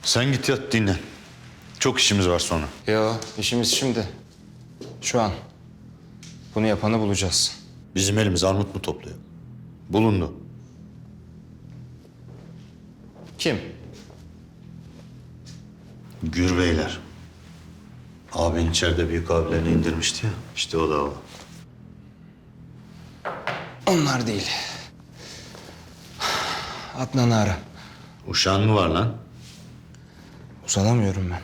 Sen git yat dinlen. Çok işimiz var sonra. Yo, işimiz şimdi. Şu an. Bunu yapanı bulacağız. Bizim elimiz armut mu topluyor? Bulundu. Kim? Gürbeyler. Abin içeride büyük abilerini indirmişti ya. İşte o da o. Onlar değil. Adnan'ı ara. Uşağın mı var lan? Uzanamıyorum ben.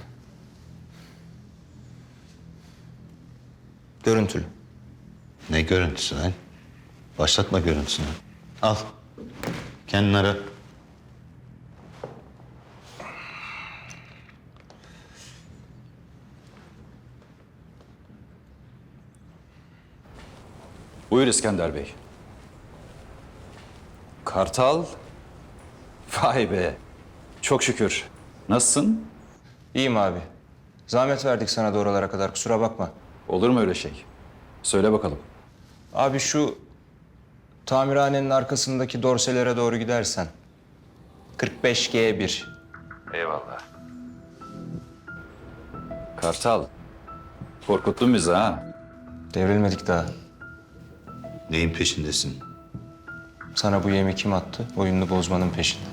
Görüntülü. Ne görüntüsü lan? Başlatma görüntüsünü. Al. Kendin ara. Buyur İskender Bey. Kartal. Vay be. Çok şükür. Nasılsın? İyiyim abi. Zahmet verdik sana da oralara kadar, kusura bakma. Olur mu öyle şey? Söyle bakalım. Abi şu tamirhanenin arkasındaki dorselere doğru gidersen. 45G1. Eyvallah. Kartal. Korkuttun bizi ha. Devrilmedik daha. Neyin peşindesin? Sana bu yemi kim attı? Oyununu bozmanın peşinde.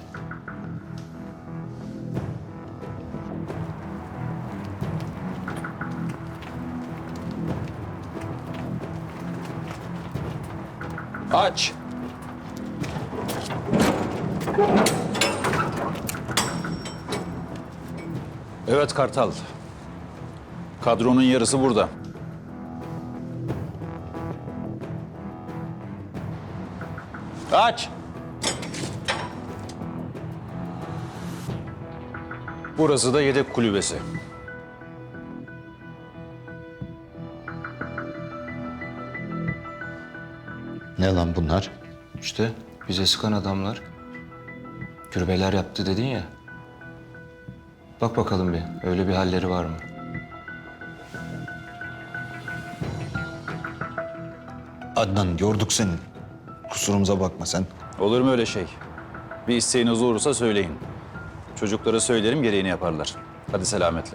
Aç. Evet Kartal. Kadronun yarısı burada. Aç. Burası da yedek kulübesi. Ne lan bunlar? İşte bize sıkan adamlar. Gürbeyler yaptı dedin ya. Bak bakalım bir, öyle bir halleri var mı? Adnan yorduk seni. Kusurumuza bakma sen. Olur mu öyle şey? Bir isteğiniz olursa söyleyin. Çocuklara söylerim, gereğini yaparlar. Hadi selametle.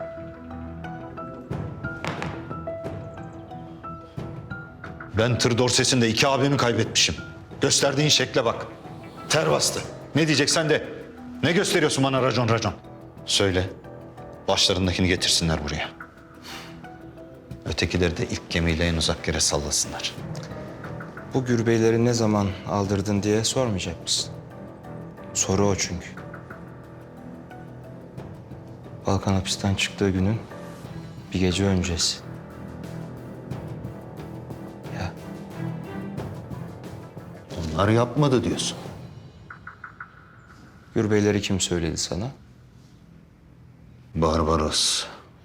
Ben tır dorsesinde 2 abimi kaybetmişim. Gösterdiğin şekle bak. Ter bastı. Ne diyeceksen de. Ne gösteriyorsun bana racon racon? Söyle. Başlarındakini getirsinler buraya. Ötekileri de ilk gemiyle en uzak yere sallasınlar. Bu gürbeyleri ne zaman aldırdın diye sormayacak mısın? Soru o çünkü. Balkan hapisten çıktığı günün bir gece öncesi. Ya Onlar yapmadı diyorsun. gürbeyleri kim söyledi sana? Barbaros.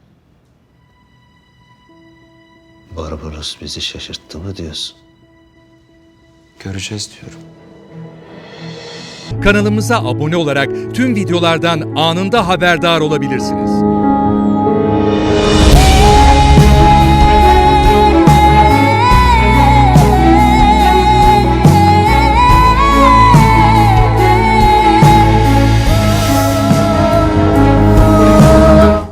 Barbaros bizi şaşırttı mı diyorsun? Göreceğiz diyorum. Kanalımıza abone olarak tüm videolardan anında haberdar olabilirsiniz.